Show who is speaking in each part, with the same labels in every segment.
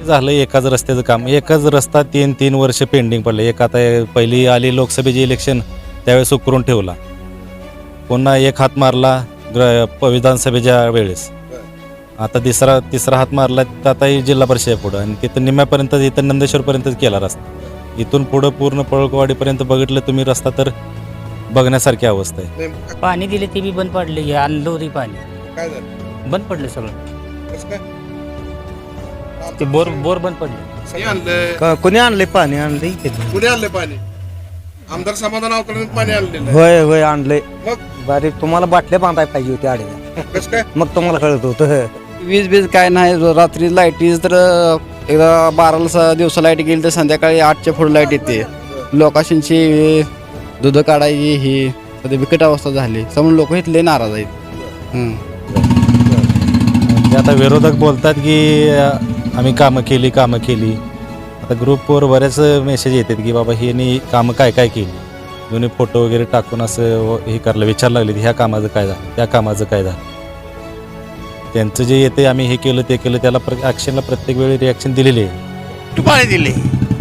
Speaker 1: झालं एकाच रस्त्याचं काम. एकच रस्ता 3 वर्ष पेंडिंग पडले. एक आता पहिली आली लोकसभेची इलेक्शन त्यावेळेस उकरून ठेवला. पुन्हा एक हात मारला विधानसभेच्या वेळेस. आता तिसरा हात मारला आता जिल्हा परिषद पुढं आणि तिथं निम्यापर्यंत इथं नंदेश्वरपर्यंतच केला रस्ता. इथून पुढं पूर्ण पळकवाडीपर्यंत बघितलं तुम्ही रस्ता तर बघण्यासारखी अवस्था आहे.
Speaker 2: पाणी दिले ते बी बंद पडले. आणलं होती पाणी
Speaker 3: काय झालं
Speaker 2: बंद पडलं सगळं.
Speaker 3: कसं काय
Speaker 2: ते बोर बंद पडले.
Speaker 3: सगळे आणलंय
Speaker 4: कोणी आणले पाणी आणले
Speaker 3: कुणी आणलंय पाणी आमदार समाधान अवतडे पाणी आणलेलं
Speaker 4: होय होय आणले
Speaker 3: मग
Speaker 4: बारीक तुम्हाला बाटल्या बांधायला पाहिजे होती आडव्या
Speaker 3: कसं काय
Speaker 4: मग तुम्हाला कळत होतं.
Speaker 5: वीज काय नाही रात्री लाईटीज तर एकदा 12ला दिवसा लाईट गेली तर संध्याकाळी 8च्या पुढे लाईट येते. लोकांशी दूध काढायची ही सध्या बिकट अवस्था झाली समोर लोक इथले नाराज आहेत.
Speaker 1: म्हणजे आता विरोधक बोलतात की आम्ही कामं केली. आता ग्रुपवर बरेच मेसेज येतात की बाबा हे कामं काय केली. दोन्ही फोटो वगैरे टाकून असं हे करायला विचारायला लागले ह्या कामाचं काय झालं त्या कामाचं काय झालं. त्यांचं जे येते आम्ही हे केलं ते केलं त्याला ॲक्शनला प्रत्येक वेळी रिॲक्शन दिलेली आहे.
Speaker 6: पाणी दिले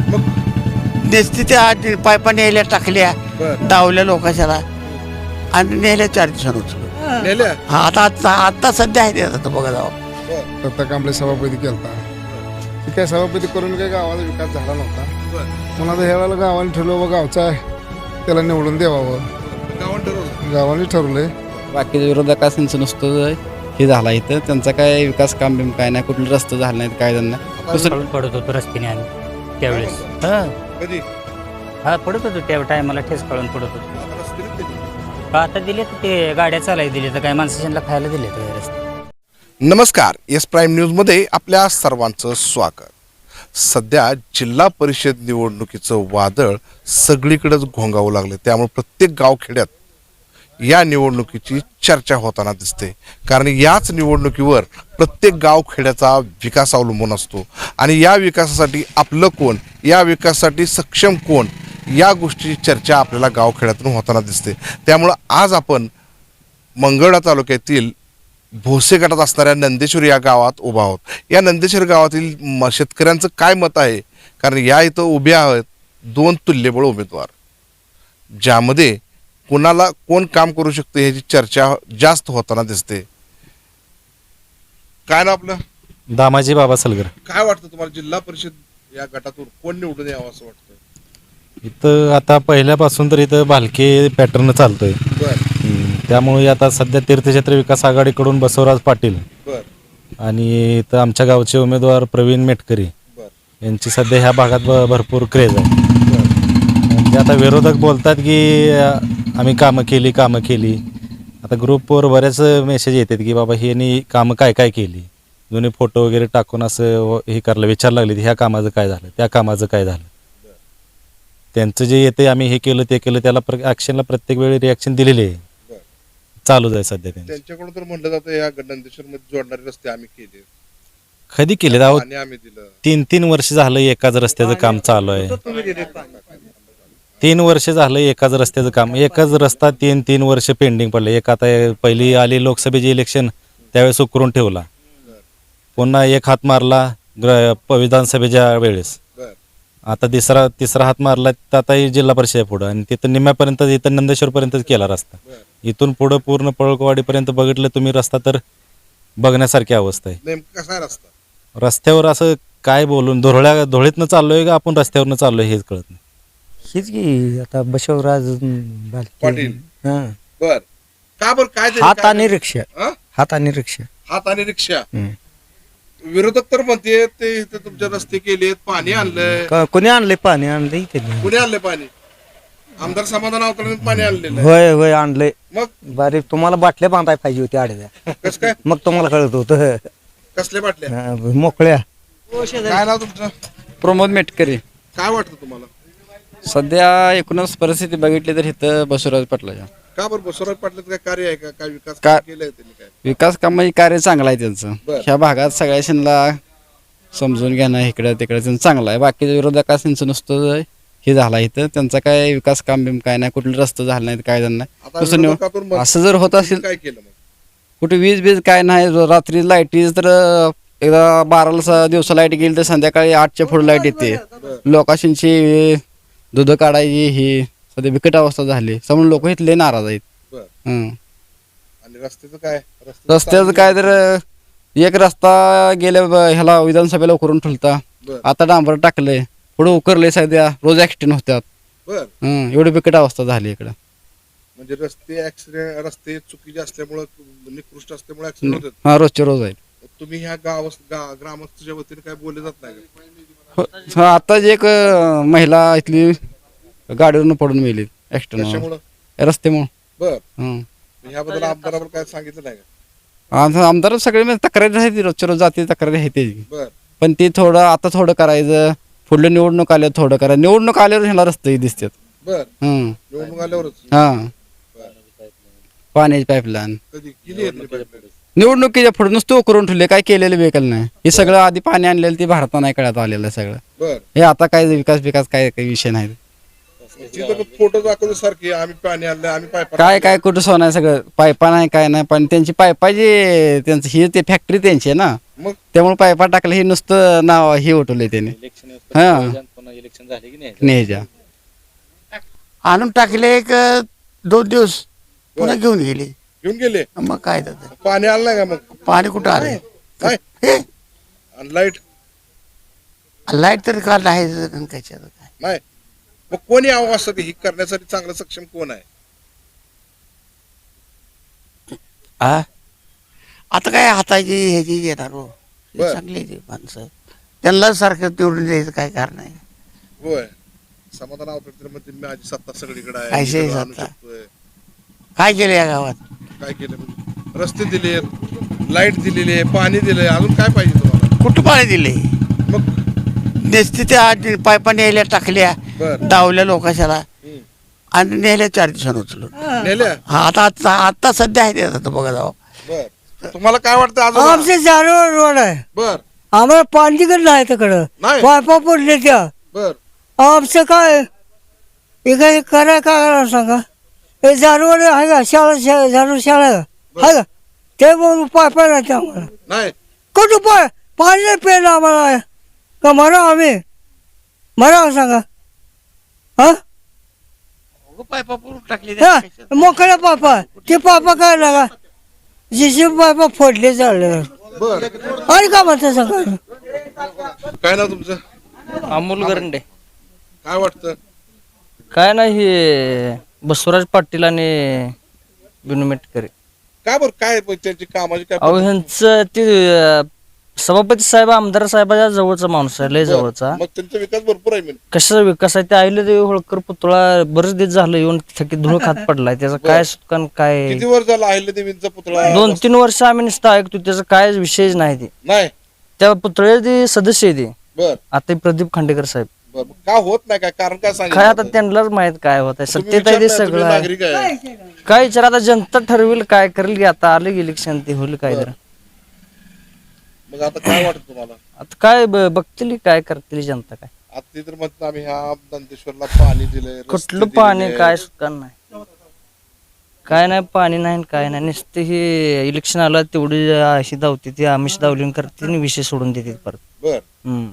Speaker 6: नेसते त्या पायपा न्यायला टाकल्या डावल्या लोकांच्याला आणि नेल्या 4 दिवसांनी
Speaker 3: नेल्या
Speaker 6: हा आता सध्या आहे आता बघा जावं.
Speaker 7: दत्ता कांबळे सभापती केलता ते काय सभापती करून काही गावाचा विकास झाला नव्हता. म्हणून आता ह्या वेळेला गावाने ठरलं व गावचा आहे त्याला निवडून द्यावं गावाने ठरवलंय.
Speaker 5: बाकीच्या विरोधकांचं नुसतं हे झाला इथं त्यांचा काय विकास काम बिम काय नाही कुठले रस्ते झाले नाहीत काय त्यांना
Speaker 2: दुसरं पडत होतो रस्त्याने आणि त्यावेळेस
Speaker 3: कधी
Speaker 2: हा पडत होतो त्या टायमाला ठेस काढून पडत होतो. आता दिले तर ते गाड्या चालायला दिले तर काय माणसांना खायला दिले तर रस्ते.
Speaker 3: नमस्कार एस प्राईम न्यूजमध्ये आपल्या सर्वांचं स्वागत. सध्या जिल्हा परिषद निवडणुकीचं वादळ सगळीकडेच घोंगावू लागलं. त्यामुळे प्रत्येक गावखेड्यात या निवडणुकीची चर्चा होताना दिसते. कारण याच निवडणुकीवर प्रत्येक गावखेड्याचा विकास अवलंबून असतो आणि या विकासासाठी आपलं कोण या विकासासाठी सक्षम कोण या गोष्टीची चर्चा आपल्याला गावखेड्यातून होताना दिसते. त्यामुळं आज आपण मंगळवेढा तालुक्यातील भोसे गटात असणाऱ्या नंदेश्वर या गावात उभा आहोत. या नंदेश्वर गावातील शेतकऱ्यांचं काय मत आहे कारण या इथं उभे आहेत 2 तुल्यबळ उमेदवार ज्यामध्ये कोणाला कोण काम करू शकते ह्याची चर्चा जास्त होताना दिसते. काय ना आपलं
Speaker 1: दामाजी बाबा सलगर.
Speaker 3: काय वाटतं तुम्हाला जिल्हा परिषद या गटातून कोण निवडून यावं असं वाटतं.
Speaker 1: इथं आता पहिल्यापासून तर इथं भालके पॅटर्न चालतोय. त्यामुळे आता सध्या तीर्थक्षेत्र विकास आघाडीकडून बसवराज पाटील आणि इथं आमच्या गावचे उमेदवार प्रवीण मेटकरी यांची सध्या ह्या भागात भरपूर क्रेज आहे. म्हणजे आता विरोधक बोलतात की आम्ही कामं केली. आता ग्रुपवर बरेच मेसेज येतात की बाबा हे कामं काय केली. दोन्ही फोटो वगैरे टाकून असं हे करायला विचारायला लागले ह्या कामाचं काय झालं त्या कामाचं काय झालं. त्यांचं जे येते आम्ही हे केलं ते केलं त्याला ॲक्शनला प्रत्येक वेळी रिॲक्शन दिलेली आहे. चालूच आहे सध्या
Speaker 3: त्यांच्याकडून तर म्हटलं जातं या नंदेश्वर मध्ये जोडणारे रस्ते आम्ही केले.
Speaker 1: कधी केले
Speaker 3: आणि आम्ही दिलं
Speaker 1: 3 वर्ष झालं एकाच रस्त्याचं काम चालू आहे. 3 वर्ष झालं एकाच रस्त्याचं काम. एकच रस्ता 3 वर्ष पेंडिंग पडले. एक आता पहिली आली लोकसभेची इलेक्शन त्यावेळेस उकरून ठेवला. पुन्हा एक हात मारला विधानसभेच्या वेळेस. आता तिसरा हात मारला आता जिल्हा परिषद पुढं आणि तिथं निम्यापर्यंत इथं नंदेश्वरपर्यंतच केला रस्ता. इथून पुढं पूर्ण पळकवाडीपर्यंत बघितलं तुम्ही रस्ता तर बघण्यासारखी अवस्था आहे.
Speaker 3: नेमकं कसा रस्ता
Speaker 1: रस्त्यावर असं काय बोलून धुळीतनं चाललोय का आपण रस्त्यावरनं चाललोय हेच कळत नाही.
Speaker 4: हीच की आता बसवराज
Speaker 3: पाटील बर का बर काय
Speaker 4: हात आणि रिक्षा
Speaker 3: हा?
Speaker 4: हात आणि रिक्षा
Speaker 3: हात आणि रिक्षा विरोधक तर म्हणते ते इथे तुमचे रस्ते केलेत पाणी आणलंय
Speaker 4: कोणी आणले पाणी आणले
Speaker 3: कुणी आणलंय पाणी आमदार समाधान अवतडे पाणी आणलेलं
Speaker 4: होय होय आणले
Speaker 3: मग
Speaker 4: बारीक तुम्हाला बाटल्या बांधायला पाहिजे होती आडव्या
Speaker 3: कसं काय
Speaker 4: मग तुम्हाला कळत होतं.
Speaker 3: कसले बाटल्या
Speaker 4: मोकळ्या.
Speaker 3: काय नाव तुमचं.
Speaker 5: प्रमोद मेटकरी.
Speaker 3: काय वाटतं तुम्हाला
Speaker 5: सध्या एकूणच परिस्थिती बघितली तर इथं बसवराज पाटलाच्या
Speaker 3: का बरं बसवराज पाटलाचं काय कार्य आहे का काय विकास
Speaker 5: का-
Speaker 3: केलंय त्यांनी काय
Speaker 5: विकास कामाची कार्य चांगलं आहे त्यांचं.
Speaker 3: बरं.
Speaker 5: ह्या भागात सगळ्यांना समजून घेणं इकडं तिकडं त्यांचं चांगलं आहे. बाकीच्या विरोधकांचं नुसतं हे झाला इथं त्यांचा काय विकास काम बिम काय नाही कुठले रस्ते झाले नाहीत काय त्यांना
Speaker 3: आता
Speaker 5: दुसरं
Speaker 3: विरोधकातून
Speaker 5: असं जर होत असेल
Speaker 3: काय केलं मग
Speaker 5: कुठे वीज काय नाही रात्री लाईटीज तर एकदा 12ला दिवसा लाईट गेली तर संध्याकाळी 8च्या पुढे लाईट येते. लोकांशी दूध काढायची ही सध्या बिकट अवस्था झाली. समोर लोक इथले नाराज आहेत.
Speaker 3: बर
Speaker 5: हं.
Speaker 3: आणि रस्त्याचं काय
Speaker 5: रस्त्याचं काय तर एक रस्ता गेल्या ह्याला विधानसभेला उकरून ठेवता.
Speaker 3: बर
Speaker 5: आता डांबर टाकलंय, पुढे उकरले सध्या रोज ऍक्सिडेंट होतात.
Speaker 3: बर
Speaker 5: एवढी बिकट अवस्था झाली इकडं.
Speaker 3: म्हणजे रस्ते चुकीचे असल्यामुळं निकृष्ट असल्यामुळे ऍक्सिडेंट होतात.
Speaker 5: हा रोजचे रोज आहेत.
Speaker 3: तुम्ही ह्या ग्रामस्थच्या वतीने काय बोलले जात नाही का?
Speaker 5: हा, आताच एक महिला इथली गाडीवरून पडून मेली ऍक्सिडेंट
Speaker 3: कशामुळं?
Speaker 5: रस्त्यामुळे.
Speaker 3: बर ह्याबद्दल आमदारावर काय सांगितलं नाही का?
Speaker 5: आमदार सगळे म्हणजे तक्रारी आहेत, रोजच्या रोज जाते तक्रारी आहे त्याची.
Speaker 3: बर
Speaker 5: पण ती आता थोडं करायचं, पुढलं निवडणूक आल्यावर थोडं करायचं. निवडणूक आल्यावर ह्याला रस्ते दिसतात.
Speaker 3: बर
Speaker 5: हं.
Speaker 3: निवडणूक आल्यावरच
Speaker 5: हा, पाण्याची पाईपलाईन
Speaker 3: कधी केली आहे pipeline?
Speaker 5: निवडणुकीच्या पुढे नुसतं करून ठेवले, काय केलेलं वेकल नाही. हे सगळं आधी पाणी आणलेलं ते भारतात नाही कळत आलेलं सगळं.
Speaker 3: बर
Speaker 5: हे आता काय विकास काय काही विषय नाही.
Speaker 3: तिथं फोटो दाखवतो सारखे आम्ही पाणी आणलं आम्ही पाईप
Speaker 5: काय कुठं सोनं सगळं पायपा नाही काय नाही. पण त्यांची पायपाची त्यांचं ही ते फॅक्टरी त्यांची आहे ना,
Speaker 3: मग
Speaker 5: त्यामुळे पायपा टाकलं हे नुसतं नाव हे उठवलंय त्याने. हा, न्यायच्या
Speaker 6: आणून टाकले एक 2 दिवस पुन्हा घेऊन गेले.
Speaker 3: घेऊन गेले.
Speaker 6: मग काय त्याचं
Speaker 3: पाणी आलं नाही का मग?
Speaker 6: पाणी कुठं आलं?
Speaker 3: नाही
Speaker 6: हे
Speaker 3: आणि लाईट
Speaker 6: लाईट तर का नाही त्याच्यात काय.
Speaker 3: नाही. मग कोणी यावं असं ही करण्यासाठी चांगलं सक्षम कोण आहे?
Speaker 6: हा आता काय हाताची ह्याची येणार हो. हे
Speaker 3: बर.
Speaker 6: चांगली ती माणसं, त्यांना सारखं निवडून द्यायचं काय कारण आहे.
Speaker 3: होय समाधान आवडत म्हणजे माझी सत्ता सगळीकडे आहे
Speaker 6: काय
Speaker 3: मी सगळं
Speaker 6: सत्ता?
Speaker 3: आणू शकतोय.
Speaker 6: काय केलं या गावात?
Speaker 3: काय केलं म्हणजे रस्ते दिले, लाईट दिलेली आहे, पाणी दिलंय, अजून काय पाहिजे तुम्हाला?
Speaker 6: कुठं पाणी दिले?
Speaker 3: मग
Speaker 6: नेसते त्या पायपा न्यायला टाकल्या,
Speaker 3: बर
Speaker 6: डावल्या लोकांच्याला आणि नेल्या 4 दिवसांनी उचलून.
Speaker 3: नेल्या.
Speaker 6: हा आता सध्या आहे ते आता बघा जाऊ.
Speaker 3: बर तुम्हाला काय वाटतं अजून?
Speaker 8: आमचे जारवर रोड आहे,
Speaker 3: बर
Speaker 8: आम्हाला पाणी तिकड नाही तिकडं,
Speaker 3: नाही.
Speaker 8: पायपा पडले त्या.
Speaker 3: बर
Speaker 8: आमचं काय हे काय काय करा सांगा. हे जारवर आहे का झाडू शाळा आहे का, ते म्हणून पायपा नाही आम्हाला.
Speaker 3: नाही
Speaker 8: कुठं पाणी नाही प्यायला आम्हाला का मरा आम्ही मरा सांगा. हा
Speaker 6: पायपा पुरून टाकले
Speaker 8: मोकळ्या पापा ते पापा काय लागा जिशी पापा फोडले चालले.
Speaker 3: बर
Speaker 8: आणि का म्हणता सांगा.
Speaker 3: काय नाव तुमचं?
Speaker 9: अमोल गरंडे.
Speaker 3: काय वाटतं?
Speaker 9: काय नाही, हे बसवराज पाटील आणि बिनू मेटकरे.
Speaker 3: काय बरं काय त्यांची कामाची काय
Speaker 9: अहो ह्यांचं ते सभापती साहेब आमदार साहेबाच्या जवळचा माणूस आहे, लय जवळचा.
Speaker 3: मग त्यांचा विकास भरपूर आहे म्हणजे.
Speaker 9: कशाचा विकास आहे ते आईले देवी होळकर पुतळा बरेच दिवस झालं येऊन थकीत धूळ खात पडलाय. त्याचा काय सुटकान काय,
Speaker 3: किती वर्ष झालं अहिल्यादेवींचा पुतळा?
Speaker 9: 2-3 वर्ष आम्ही नुसतं ऐकतो, त्याचा काय विषयच नाही. ते
Speaker 3: नाही.
Speaker 9: त्या पुतळ्याचे सदस्य आहे ते
Speaker 3: बर
Speaker 9: आता प्रदीप खांडेकर साहेब.
Speaker 3: बर मग का होत नाही काय कारण काय सांगितलं?
Speaker 9: काय आता त्यांनाच माहित काय होत आहे,
Speaker 3: तुम्ही
Speaker 9: सत्तेत आहे ते
Speaker 3: विचारताय, तुम्ही
Speaker 9: सगळं आहे.
Speaker 3: नागरिक आहे.
Speaker 9: काय विचार आता जनता ठरवेल काय करेल की. आता आलं की इलेक्शन ते होईल काय तर.
Speaker 3: मग आता काय वाटत तुम्हाला?
Speaker 9: आता काय बघतील काय करतील जनता. काय
Speaker 3: आता ते तर म्हणतात आम्ही ह्या नंदेश्वरला पाणी दिलंय, रस्ते
Speaker 9: कुठलं पाणी
Speaker 3: दिलेले.
Speaker 9: काय सुका नाही, काय नाही पाणी नाही काय नाही. नुसते हे इलेक्शन आलं तेवढी अशी धावते ती आमिष धावलीन करते आणि विषय सोडून देते परत.
Speaker 3: बर
Speaker 9: हम्म.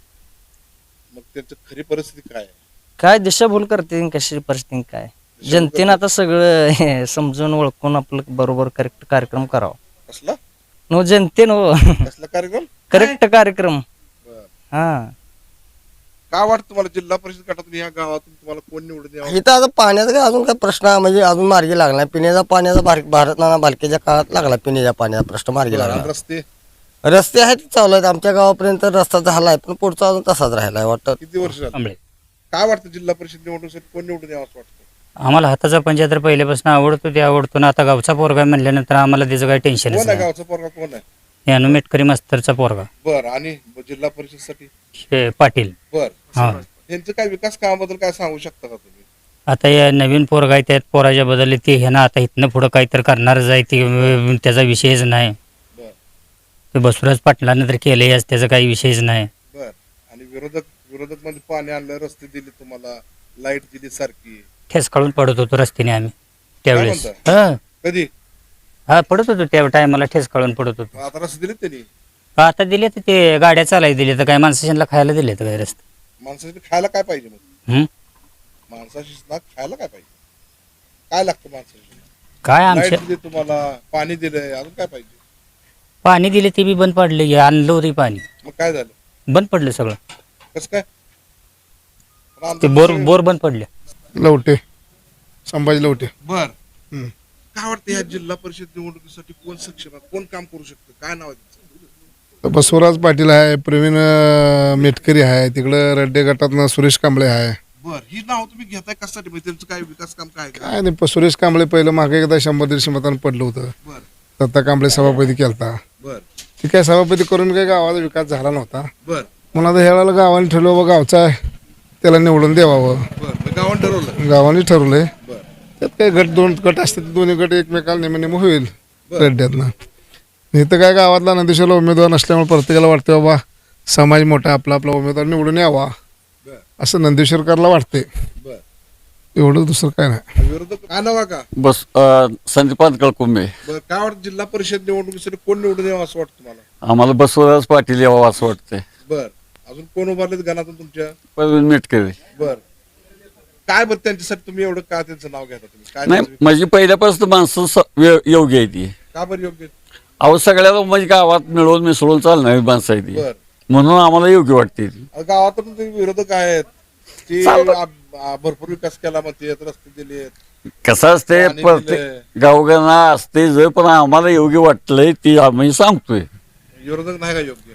Speaker 3: मग त्यांची खरी परिस्थिती काय आहे?
Speaker 9: काय दिशाभूल करते कशी परिस्थिती काय. जनतेनं आता सगळं हे समजून ओळखून आपलं बरोबर करेक्ट कार्यक्रम करावा.
Speaker 3: कसला
Speaker 9: नो जनतेनं
Speaker 3: कसला कार्यक्रम?
Speaker 9: करेक्ट कार्यक्रम.
Speaker 3: बर
Speaker 9: हा
Speaker 3: काय वाटतं तुम्हाला जिल्हा परिषद गटातून ह्या गावातून तुम्हाला कोण निवडून यावं?
Speaker 4: इथं आता पाण्याचा काय अजून काय प्रश्न म्हणजे अजून मार्गी लागला नाही. पिण्याचा पाण्याचा भारत नाना बालकेच्या काळात लागला पिण्याच्या पाण्याचा प्रश्न मार्गी
Speaker 3: आणि
Speaker 4: लागला.
Speaker 3: रस्ते
Speaker 4: रस्ते आहेत चालू आहेत, आमच्या गावापर्यंत रस्ता झालाय पण पुढचा अजून तसाच राहिलाय वाटतं.
Speaker 3: किती वर्ष झालं?
Speaker 2: आंबळे.
Speaker 3: काय वाटतं जिल्हा परिषद निवडणुकीसाठी कोण निवडून यावं असं वाटतं?
Speaker 2: आम्हाला हाताचा पंचा तर पहिल्यापासून आवडतो ते आवडतो ना. आता गावचा पोरगा म्हणल्यानंतर आम्हाला त्याचं काही टेन्शनच
Speaker 3: कोण आहे
Speaker 2: नाही.
Speaker 3: गावचा पोरगा कोण आहे?
Speaker 2: हे अनुमेटकरी मास्तरचा पोरगा
Speaker 3: बर आणि जिल्हा परिषदसाठी
Speaker 2: हे पाटील.
Speaker 3: बर
Speaker 2: हा
Speaker 3: त्यांचं काय विकास कामाबद्दल काय सांगू शकता का तुम्ही?
Speaker 2: आता या नवीन पोरगा आहे त्यात पोराच्या बदलले ते हे ना आता इथनं पुढं काहीतरी करणारच आहे ते त्याचा विषयच नाही.
Speaker 3: बर
Speaker 2: ते बसवराज पाटलानं तर केलंय त्याचा काही विषयच नाही.
Speaker 3: बर आणि विरोधक मध्ये पाणी आणलं, रस्ते दिले तुम्हाला, लाईट दिली सारखी.
Speaker 2: ठेस काढून पडत होतो रस्त्याने आम्ही त्यावेळेस.
Speaker 3: काय
Speaker 2: हा
Speaker 3: कधी?
Speaker 2: हा पडत होतो त्या टायमाला ठेस काढून पडत होतो.
Speaker 3: आता रस्ते दिले त्यांनी.
Speaker 2: का आता दिले तर ते गाड्या चालायला दिले तर काय माणसाशांना खायला दिले तर काय रस्ते
Speaker 3: माणसाने खायला काय पाहिजे मग
Speaker 2: हं?
Speaker 3: माणसाशी खायला काय पाहिजे काय लागतं माणसाशी
Speaker 2: काय आमच्या
Speaker 3: लाईट दिली तुम्हाला पाणी दिलंय अजून काय पाहिजे
Speaker 2: पाणी दिले ते बी बंद पडले आणलं होतं पाणी
Speaker 3: मग काय झालं
Speaker 2: बंद पडलं सगळं
Speaker 3: कसं काय
Speaker 2: ते बोर बोर बंद पडले
Speaker 7: लवटे संभाजी लवटे
Speaker 3: बर
Speaker 7: हम्म.
Speaker 3: काय वाटतं या जिल्हा परिषद निवडणुकीसाठी कोण सक्षम आहे कोण काम करू शकतं काय नाव आहे त्यांचं?
Speaker 7: बसवराज पाटील आहे प्रवीण मेटकरी आहे तिकडं रड्डे गटातनं सुरेश कांबळे आहे
Speaker 3: बर ही नाव तुम्ही घेताय कशासाठी म्हणजे त्यांचं काय विकास काम काय आहे का?
Speaker 7: काय नाही सुरेश कांबळे पहिलं मागे एकदा 100-150 मतांनी पडलं होतं
Speaker 3: बर
Speaker 7: दत्ता कांबळे सभापती केलता
Speaker 3: बर
Speaker 7: ती काय सभापती करून काही गावाचा विकास झाला नव्हता
Speaker 3: बर
Speaker 7: म्हणून आता ह्या वेळेला गावाने ठरवलं बाबा गावचा आहे त्याला निवडून द्यावावं
Speaker 3: बर मग गावानं ठरवलं
Speaker 7: गावाने ठरवलंय
Speaker 3: बर
Speaker 7: त्यात काही दोन गट असतात दोन्ही गट एकमेकाला नेम होईल रड्ड्यातनं इथं काय गावातला नंदेश्वरला उमेदवार नसल्यामुळे प्रत्येकाला वाटतं बाबा समाज मोठा आपला आपला उमेदवार निवडून यावा
Speaker 3: बर
Speaker 7: असं नंदेश्वरकरला वाटते
Speaker 3: बर
Speaker 7: एवढं दुसरं काय नाही
Speaker 3: विरोधक काय नाव आहे का
Speaker 10: बस संदीपान कळकुंबे
Speaker 3: बर काय वाटतं जिल्हा परिषद निवडणुकीसाठी कोण निवडून यावं असं वाटतं तुम्हाला
Speaker 10: आम्हाला बसवराज पाटील यावं असं वाटतंय
Speaker 3: बर अजून कोण उभारलेत गणातून तुमच्या
Speaker 10: प्रवीण मेटकरी
Speaker 3: बर काय बरं त्यांच्यासाठी तुम्ही एवढं का त्यांचं नाव घेता तुम्ही काय
Speaker 10: नाही
Speaker 3: त्यांचं-
Speaker 10: माझी पहिल्यापासून माणसं योग्य आहे ती
Speaker 3: का बरं योग्य
Speaker 10: अहो सगळ्याला म्हणजे गावात मिळवून मिसळून चालणारी माणसं आहे ती
Speaker 3: बर
Speaker 10: म्हणून आम्हाला योग्य वाटते ती
Speaker 3: गावात पण तुम्ही विरोधक आहेत ते
Speaker 10: चालतं.
Speaker 3: भरपूर विकास केला म्हणते रस्ते दिले
Speaker 10: कसं असते
Speaker 3: पाणी
Speaker 10: प्रत्येक गावगाना असते जर पण आम्हाला योग्य वाटलंय ती आम्ही सांगतोय
Speaker 3: विरोधक नाही का योग्य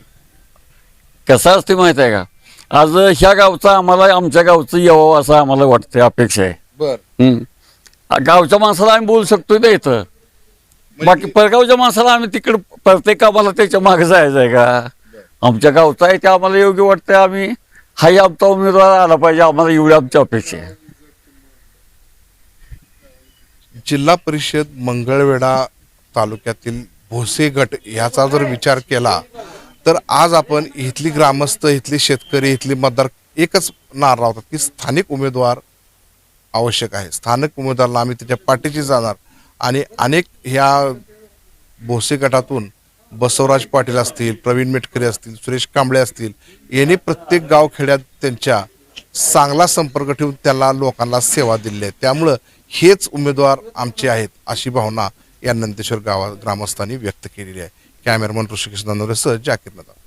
Speaker 10: कसं असते माहित आहे का आज ह्या गावचा आम्हाला आमच्या गावचं यावं असं आम्हाला वाटतंय अपेक्षा आहे
Speaker 3: बर
Speaker 10: गावच्या माणसाला आम्ही बोलू शकतोय ना इथं बाकी परगावच्या माणसाला आम्ही तिकडे प्रत्येक कामाला त्याच्या मागे जायचं आहे का आमच्या गावचा आहे ते आम्हाला योग्य वाटतंय आम्ही हाही आमचा उमेदवार आला पाहिजे आम्हाला एवढी आमची अपेक्षा आहे
Speaker 3: जिल्हा परिषद मंगळवेढा तालुक्यातील भोसे गट ह्याचा जर विचार केला तर आज आपण इथली ग्रामस्थ इथली शेतकरी इथली मतदार एकच नार लावतात की स्थानिक उमेदवार आवश्यक आहे स्थानिक उमेदवाराला आम्ही त्याच्या पाठीशी जाणार आणि अनेक ह्या भोसे गटातून बसवराज पाटील असतील प्रवीण मेटकरी असतील सुरेश कांबळे असतील यांनी प्रत्येक गावखेड्यात त्यांच्या चांगला संपर्क ठेवून त्याला लोकांना सेवा दिली आहे त्यामुळं हेच उमेदवार आमचे आहेत अशी भावना या नंदेश्वर गावात ग्रामस्थांनी व्यक्त केलेली आहे कॅमेरामन ऋषिकेश नंदोरेसह जाकीर नदाम